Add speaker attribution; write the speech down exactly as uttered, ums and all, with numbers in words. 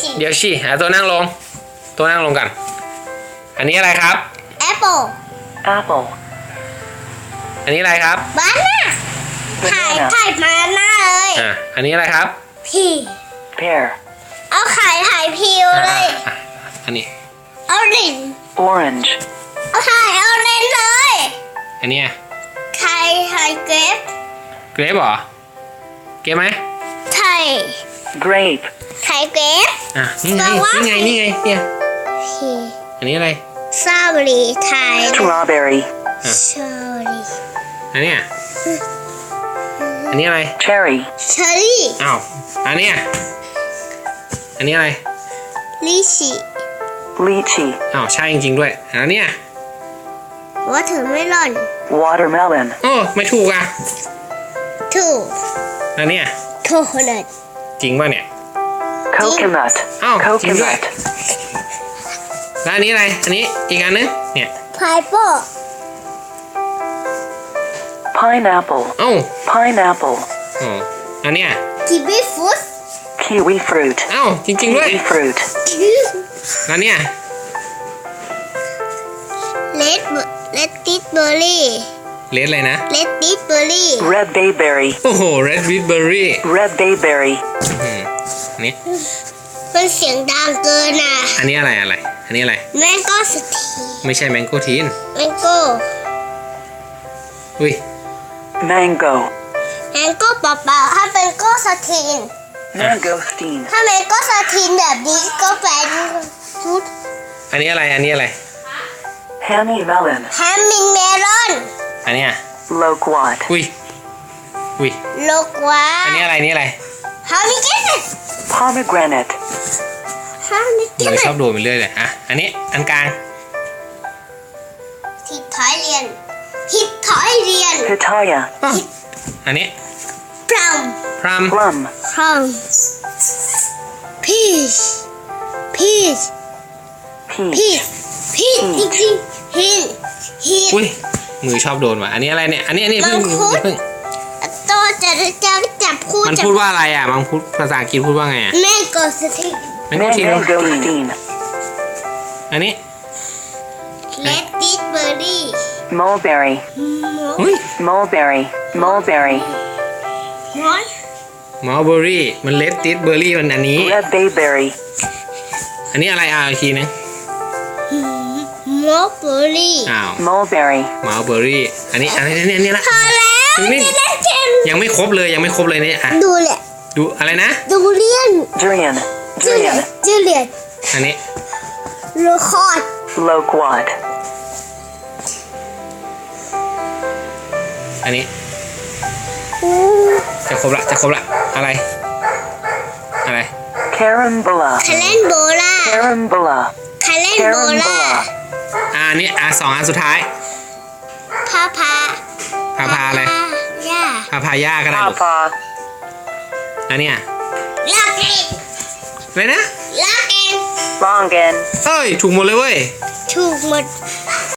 Speaker 1: เดี๋ยวสิอ่ะตัวนั่งลงตัวนั่งลงกันอันนี้อะไรครับ
Speaker 2: apple
Speaker 3: Apple.
Speaker 1: อันนี้อะไรครับ
Speaker 2: banana ถ่ายถ่ายมาหน้าเลย
Speaker 1: อ่ะอันนี้อะไรครับ
Speaker 2: พี
Speaker 3: Pear.
Speaker 2: เอาไข่ถ่ายพิว
Speaker 1: อ่ะ
Speaker 2: เล
Speaker 1: อ่ะ
Speaker 2: ย
Speaker 1: อ่ะอันนี้
Speaker 2: เอาดิน
Speaker 3: Orange.
Speaker 2: เอาถ่ายเอาเลนเลย
Speaker 1: อันเนี้ย
Speaker 2: ไข่ถ่ายเกรป
Speaker 1: เกรปเหรอเกรปไหม
Speaker 2: ไข่
Speaker 3: Grape.
Speaker 2: ไข่เกรป
Speaker 1: อ่ะนี่ไง
Speaker 2: แปลว่า
Speaker 1: นี่ไงนี่ไงเนี่ย
Speaker 2: พี
Speaker 1: อันนี้อะไร
Speaker 2: สตรอเบอรี่ไทย
Speaker 3: Strawberry.
Speaker 2: สตรอเบอรี่
Speaker 1: อันเนี้ยอันนี้อะไร
Speaker 3: Cherry.
Speaker 2: เชอร์รี่
Speaker 1: อ้าวอันเนี้ยอันนี้อะไร
Speaker 2: ลิชิ
Speaker 3: Lychee.
Speaker 1: อ้าวใช่จริงๆด้วยอันเนี้ยว
Speaker 2: อเตอร์เมลอน
Speaker 3: Watermelon.
Speaker 1: โอ้ไม่ถูกอ่ะ
Speaker 2: ถูก
Speaker 1: อันเนี้ย
Speaker 2: โคโคนัท
Speaker 1: จริงป่ะเนี่ย
Speaker 3: Coconut.
Speaker 1: อ้าวจริงด้วย
Speaker 3: Coconut.
Speaker 1: แล้วอันนี้อะไรอันนี้อีกอันนึงเนี่ย
Speaker 2: พายโป้
Speaker 3: Pineapple.
Speaker 1: เอ้า
Speaker 3: Pineapple.
Speaker 1: อ๋ออันเนี้ย
Speaker 2: กีบีฟูด
Speaker 3: Kiwi fruit.
Speaker 1: เอ้าจริงๆด้วย
Speaker 3: Kiwi fruit.
Speaker 1: แล้วเนี่ย
Speaker 2: เลดเลดติสเบอร์รี่
Speaker 1: เลดอะไรนะ
Speaker 2: เลดติสเบอร์รี่
Speaker 3: Red bayberry.
Speaker 1: โอ้โห red raspberry
Speaker 3: Red bayberry.
Speaker 1: อืมอันนี้
Speaker 2: มันเสียงดังเกินอ่ะ
Speaker 1: อันนี้อะไรอะไร อันนี้อะไร
Speaker 2: แมงโก้สตี
Speaker 1: ไม่ใช่แมงโก้ทีน
Speaker 2: แมงโก้
Speaker 1: อุ้ย
Speaker 3: Mango.
Speaker 2: แมงโก้เปล่าๆถ้าเป็นโก้สตีน
Speaker 3: Mangosteen.
Speaker 2: ถ้าแมงโก้สตีนแบบนี้ก็เป็นชุด
Speaker 1: อันนี้อะไรอันนี้อะไร
Speaker 3: Honey melon.
Speaker 2: แฮมมิงเมลอน
Speaker 1: อันเนี้ย
Speaker 3: Loquat.
Speaker 1: อุ้ยอุ้ย
Speaker 2: โลกวา
Speaker 1: อันนี้อะไรอันนี้อะไร
Speaker 2: ฮามิเกน
Speaker 3: Pomegranate.
Speaker 2: ฮามิเก
Speaker 1: เรา
Speaker 2: น
Speaker 1: ชอบโดนไปเรื่อยเลยอ่ะอันนี้อันกลาง
Speaker 2: ทิดถอยเรียนทิดถอยเรียน
Speaker 3: Pitaya.
Speaker 1: อ้าวอันนี้
Speaker 2: พรัม
Speaker 1: พรัม
Speaker 3: Plum.
Speaker 2: พรัมพีชพีช
Speaker 3: Peach.
Speaker 2: พีชพีชจริงๆฮินฮิน
Speaker 1: อุ้ยมือชอบโดนว่ะอันนี้อะไรเนี่ยอันนี้อันนี้เพิ่ง
Speaker 2: มังคุด
Speaker 1: เพิ่ง
Speaker 2: ตัวจะจะจับคู่
Speaker 1: มัน
Speaker 2: จับ
Speaker 1: พูดว่าอะไรอ่ะมังพูดภาษาอังกฤษพูดว่าไงอ่ะ
Speaker 2: แม่กดสติ
Speaker 1: แมงโก้ทีน
Speaker 3: Mangosteen.
Speaker 1: อันนี้
Speaker 2: เลดดิสเบอร์รี่
Speaker 3: Mulberry.
Speaker 1: อุ้ย
Speaker 3: Mulberry. Mulberry.
Speaker 2: มอน
Speaker 1: มอลเบอรี่มันเลดติสเบอร์รี่มันอันนี้
Speaker 3: Red bayberry.
Speaker 1: อันนี้อะไรอ่ะอีกทีนึง
Speaker 2: มอลเบอร์รี่
Speaker 1: อ้าว
Speaker 3: Mulberry.
Speaker 1: มอลเบอรี่อันนี้อันนี้อันนี้อันนี้ละ
Speaker 2: พอแล้ว
Speaker 1: ถึงนี่
Speaker 2: จะได้เต็ม
Speaker 1: ยังไม่ครบเลยยังไม่ครบเลยเนี่ยอ่ะ
Speaker 2: ดูเลย
Speaker 1: ดูอะไรนะ
Speaker 2: ดูเรียน
Speaker 3: Durian.
Speaker 2: จูเลียน
Speaker 3: Durian.
Speaker 2: จูเลียน
Speaker 1: อันนี้
Speaker 2: โลคอด
Speaker 3: Loquat.
Speaker 1: อันนี้จะครบละจะครบละอะไรอะไร
Speaker 3: Carambola.
Speaker 2: คาเลนโบลา
Speaker 3: Carambola.
Speaker 2: คาเลนโบลา
Speaker 3: Carambola.
Speaker 1: อ่าอันนี้อ่ะสองอันสุดท้าย
Speaker 2: พาพา
Speaker 1: พาพาอะไร
Speaker 2: ย่า
Speaker 1: พาพาย่าก็ได้ลูก
Speaker 3: Papa.
Speaker 1: อันเนี้ย
Speaker 2: ลากเอง
Speaker 1: อะไรนะ
Speaker 2: ลากเอง
Speaker 3: Longan.
Speaker 1: เอ้ยถูกหมดเลยเว้ย
Speaker 2: ถูกหมด